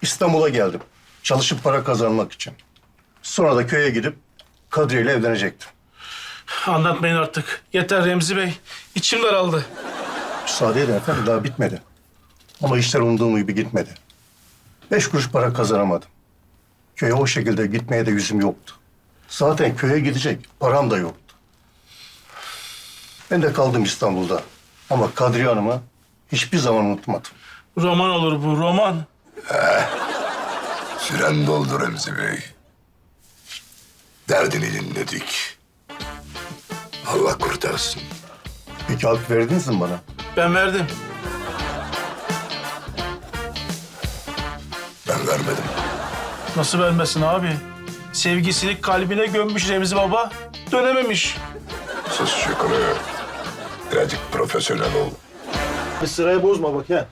İstanbul'a geldim. Çalışıp para kazanmak için. Sonra da köye gidip Kadriye ile evlenecektim. Anlatmayın artık. Yeter Remzi Bey. İçim daraldı. Müsaade edin efendim, daha bitmedi. Ama işler umduğum gibi gitmedi. 5 kuruş para kazanamadım. Köye o şekilde gitmeye de yüzüm yoktu. Zaten köye gidecek param da yoktu. Ben de kaldım İstanbul'da. Ama Kadriye Hanım'ı hiçbir zaman unutmadım. Roman olur bu, roman. Süren doldu Remzi Bey. Derdini dinledik. Allah kurtarsın. Peki hak verdiniz mi bana? Ben verdim. Ben vermedim. Nasıl vermesin abi? Sevgisini kalbine gömmüş Remzi Baba. Dönememiş. Sus Şükrü. Birazcık profesyonel ol. Bir sırayı bozma bak ya.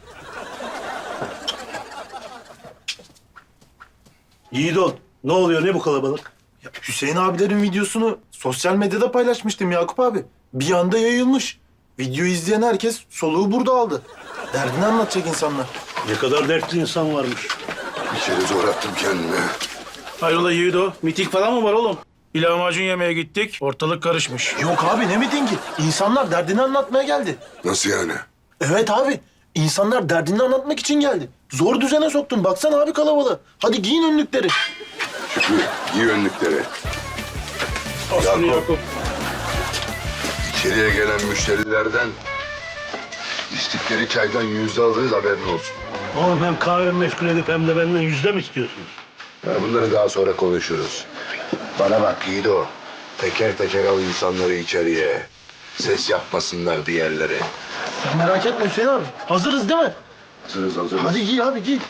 Yiğit ol. Ne oluyor, ne bu kalabalık? Ya Hüseyin abilerin videosunu sosyal medyada paylaşmıştım Yakup abi. Bir anda yayılmış. Videoyu izleyen herkes soluğu burada aldı. Derdini anlatacak insanlar. Ne kadar dertli insan varmış. Bir kere zor attım kendimi. Hayrola Yiğido? Miting falan mı var oğlum? Bir lahmacun yemeye gittik. Ortalık karışmış. Yok abi ne mitingi? İnsanlar derdini anlatmaya geldi. Nasıl yani? Evet abi. İnsanlar derdini anlatmak için geldi. Zor düzene soktun. Baksana abi kalabalığı. Hadi giyin önlükleri. Şükrü, giy önlükleri. Aslı Yakup. Yakup. İçeriye gelen müşterilerden içtikleri çaydan yüzde alırız, haberin olsun. Oğlum hem kahve meşgul edip hem de benden yüzde mi istiyorsunuz? Ya bunları daha sonra konuşuruz. Bana bak Yiğido. Teker teker al insanları içeriye. Ses yapmasınlar diğerleri. Sen merak etme Hüseyin abi. Hazırız değil mi? Hazırız. Hadi giy abi giy.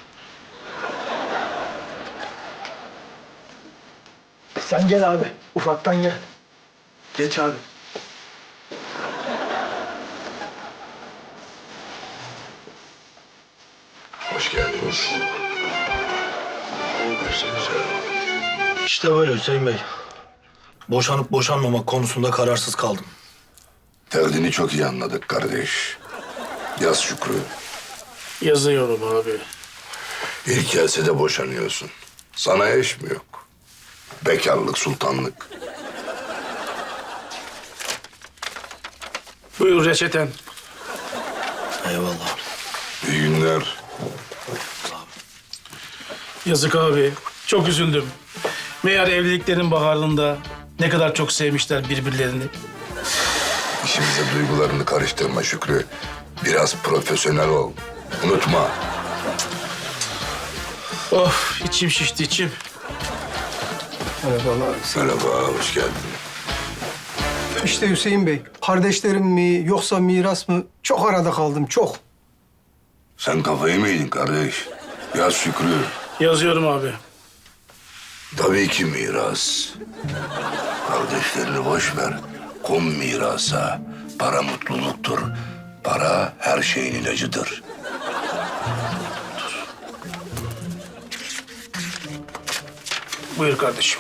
Sen gel abi. Ufaktan gel. Geç abi. Hoş geldiniz. İşte böyle Hüseyin Bey. Boşanıp boşanmamak konusunda kararsız kaldım. Derdini çok iyi anladık kardeş. Yaz Şükrü. Yazıyorum abi. İlk gelse de boşanıyorsun. Sana eş mi yok? Bekarlık, sultanlık. Buyur reçeten. Eyvallah. İyi günler. Yazık abi. Çok üzüldüm. Meğer evliliklerin baharında ne kadar çok sevmişler birbirlerini. İşimize duygularını karıştırma Şükrü. Biraz profesyonel ol. Unutma. Of içim şişti içim. Merhaba, hoş geldin. İşte Hüseyin Bey, kardeşlerim mi yoksa miras mı? Çok arada kaldım, çok. Sen kafayı mı yedin kardeş? Yaz Şükrü. Yazıyorum abi. Tabii ki miras. Kardeşlerini boş ver. Kum mirasa. Para mutluluktur. Para her şeyin ilacıdır. Buyur kardeşim.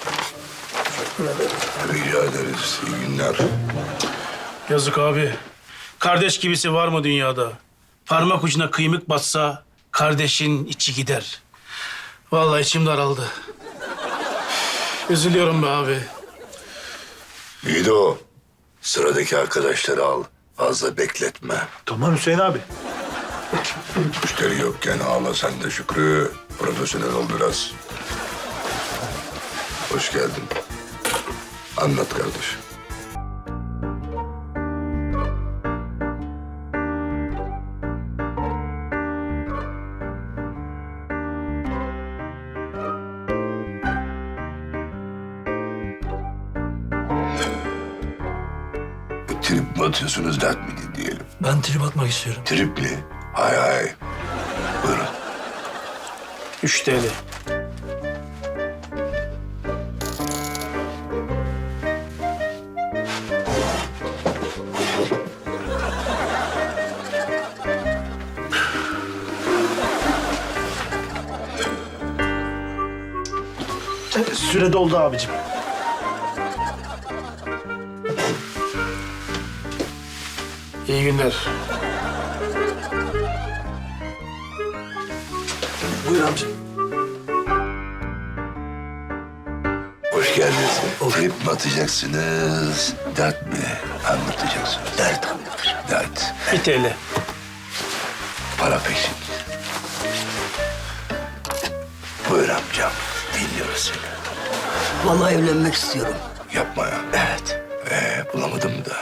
Rica ederiz. İyi günler. Yazık abi. Kardeş gibisi var mı dünyada? Parmak ucuna kıymık batsa kardeşin içi gider. Vallahi içim daraldı. Üzülüyorum be abi. İyi de o. Sıradaki arkadaşları al. Fazla bekletme. Tamam Hüseyin abi. Müşteri yokken ağla sen de Şükrü. Profesyonel ol biraz. Hoş geldin. Anlat kardeşim. Trip mi atıyorsunuz, dert mi diyelim? Ben trip atmak istiyorum. Trip mi? Hay hay. Buyurun. 3 TL. Süre doldu abicim. İyi günler. Buyur amca. Hoş geldiniz. Trip mi atacaksınız? Dert mi anlatacaksınız? Dert anlatacağım. Dert. Bir TL. Para peşin. Buyur amcam. Dinliyoruz seni. Vallahi evlenmek istiyorum. Yapma ya. Evet. Bulamadım da.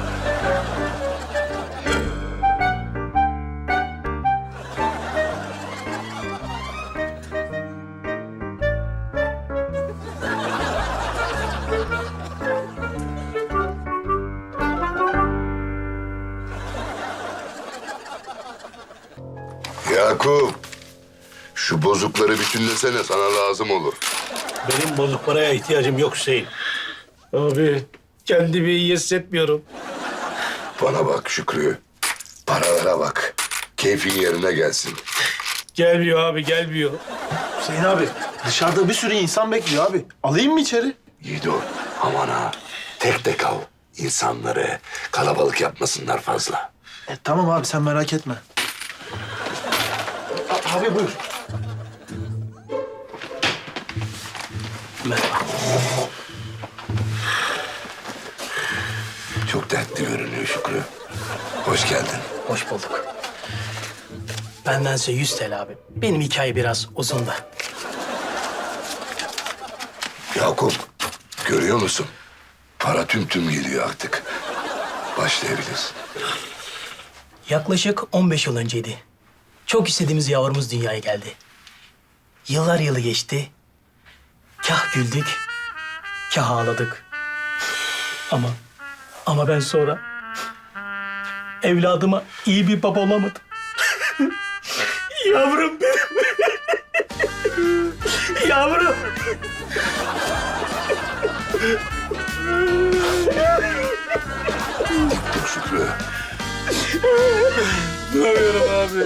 Yakup, şu bozukları bütünlesene, sana lazım olur. Benim bozuk paraya ihtiyacım yok Hüseyin. Abi kendimi iyi hissetmiyorum. Bana bak Şükrü, paralara bak. Keyfin yerine gelsin. Gelmiyor abi gelmiyor. Hüseyin abi dışarıda bir sürü insan bekliyor abi. Alayım mı içeri? Yiğido, aman ha. Tek tek al. İnsanları kalabalık yapmasınlar fazla. Tamam abi sen merak etme. Abi buyur. Çok dertli görünüyor Şükrü. Hoş geldin. Hoş bulduk. Bendense 100 TL abi. Benim hikaye biraz uzun da. Yakup, görüyor musun? Para tüm tüm geliyor artık. Başlayabiliriz. Yaklaşık 15 yıl önceydi. Çok istediğimiz yavrumuz dünyaya geldi. Yıllar yılı geçti. Kah güldük, kah ağladık. Ama ben sonra evladıma iyi bir baba olamadım. Yavrum benim. Yavrum. Dur Şükrü. Duyamıyorum abi.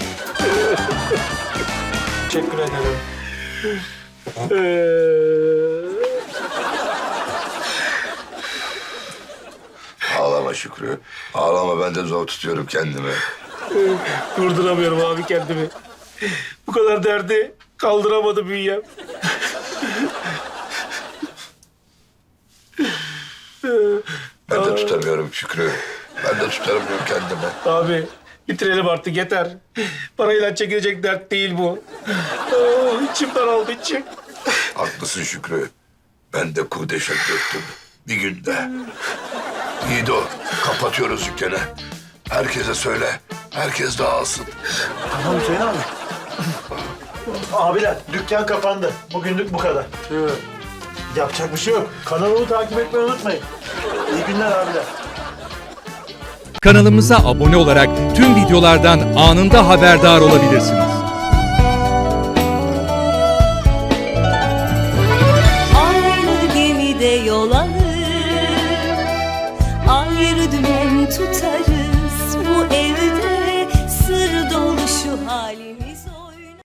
Teşekkür ederim. Ağlama Şükrü. Ağlama, ben de zor tutuyorum kendimi. Durduramıyorum abi kendimi. Bu kadar derdi kaldıramadı bünyem. Ben de tutamıyorum Şükrü. Ben de tutamıyorum kendimi. Abi bitirelim artık yeter. Parayla çekilecek dert değil bu. İçim daraldı içim. Haklısın Şükrü. Ben de kurdeşe döktüm. Bir günde. Yiğido, kapatıyoruz dükkanı. Herkese söyle. Herkes dağılsın. Tamam Hüseyin abi. Abiler dükkan kapandı. Bugünlük bu kadar. Yapacak bir şey yok. Kanalımı takip etmeyi unutmayın. İyi günler abiler. Kanalımıza abone olarak tüm videolardan anında haberdar olabilirsiniz. Aynı gemide yol alır, ayrı dümen tutarız. Bu evde sır dolu şu halimiz.